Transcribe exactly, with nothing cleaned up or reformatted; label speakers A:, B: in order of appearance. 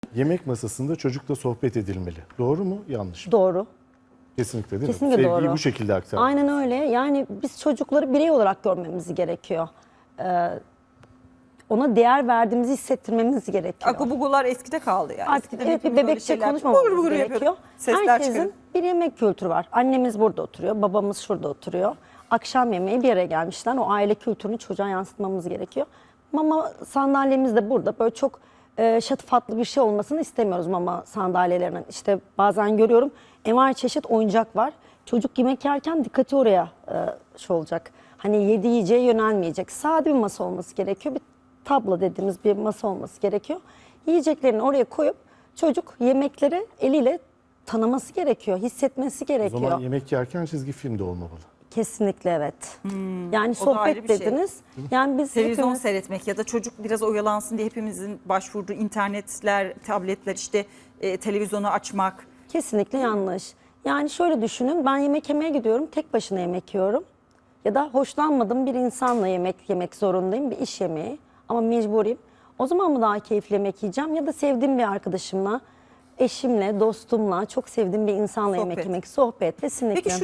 A: Yemek masasında çocukla sohbet edilmeli. Doğru mu? Yanlış mı?
B: Doğru.
A: Kesinlikle değil
B: Kesinlikle
A: mi? Sevgiyi
B: doğru.
A: bu şekilde aktarmak.
B: Aynen öyle. Yani biz çocukları birey olarak görmemiz gerekiyor. Ee, ona değer verdiğimizi hissettirmemiz gerekiyor.
C: Akubugular eskide kaldı yani.
B: Artık
C: Eskiden
B: evet bir
C: hepimiz öyle
B: bebekçe
C: şeyler-
B: konuşmamamız
C: Bugur bugur
B: gerekiyor.
C: yapıyorduk. Sesler
B: Herkesin
C: çıkarıp.
B: bir yemek kültürü var. Annemiz burada oturuyor, babamız şurada oturuyor. Akşam yemeği bir yere gelmişler. O aile kültürünü çocuğa yansıtmamız gerekiyor. Mama sandalyemiz de burada. Böyle çok e, şatafatlı bir şey olmasını istemiyoruz mama sandalyelerinin. İşte bazen görüyorum envai çeşit oyuncak var. Çocuk yemek yerken dikkati oraya e, şey olacak. Hani yedi yiyeceğe yönelmeyecek. Sade bir masa olması gerekiyor. Bir tablo dediğimiz bir masa olması gerekiyor. Yiyeceklerini oraya koyup çocuk yemekleri eliyle tanıması gerekiyor, hissetmesi
A: O
B: gerekiyor.
A: zaman yemek yerken çizgi film de olmamalı.
B: Kesinlikle evet. yani
C: o da ayrı
B: sohbet
C: bir şey.
B: dediniz. Yani biz
C: Televizyon
B: hepimiz
C: seyretmek ya da çocuk biraz oyalansın diye hepimizin başvurduğu internetler, tabletler, işte e, televizyonu açmak.
B: kesinlikle yanlış. Yani şöyle düşünün, ben yemek yemeye gidiyorum, tek başına yemek yiyorum. Ya da hoşlanmadığım bir insanla yemek yemek zorundayım, bir iş yemeği ama mecburiyim. O zaman mı daha keyifli yemek yiyeceğim ya da sevdiğim bir arkadaşımla, eşimle, dostumla, çok sevdiğim bir insanla yemek
C: Sohbet.
B: yemek, sohbet kesinlikle.
C: Peki şu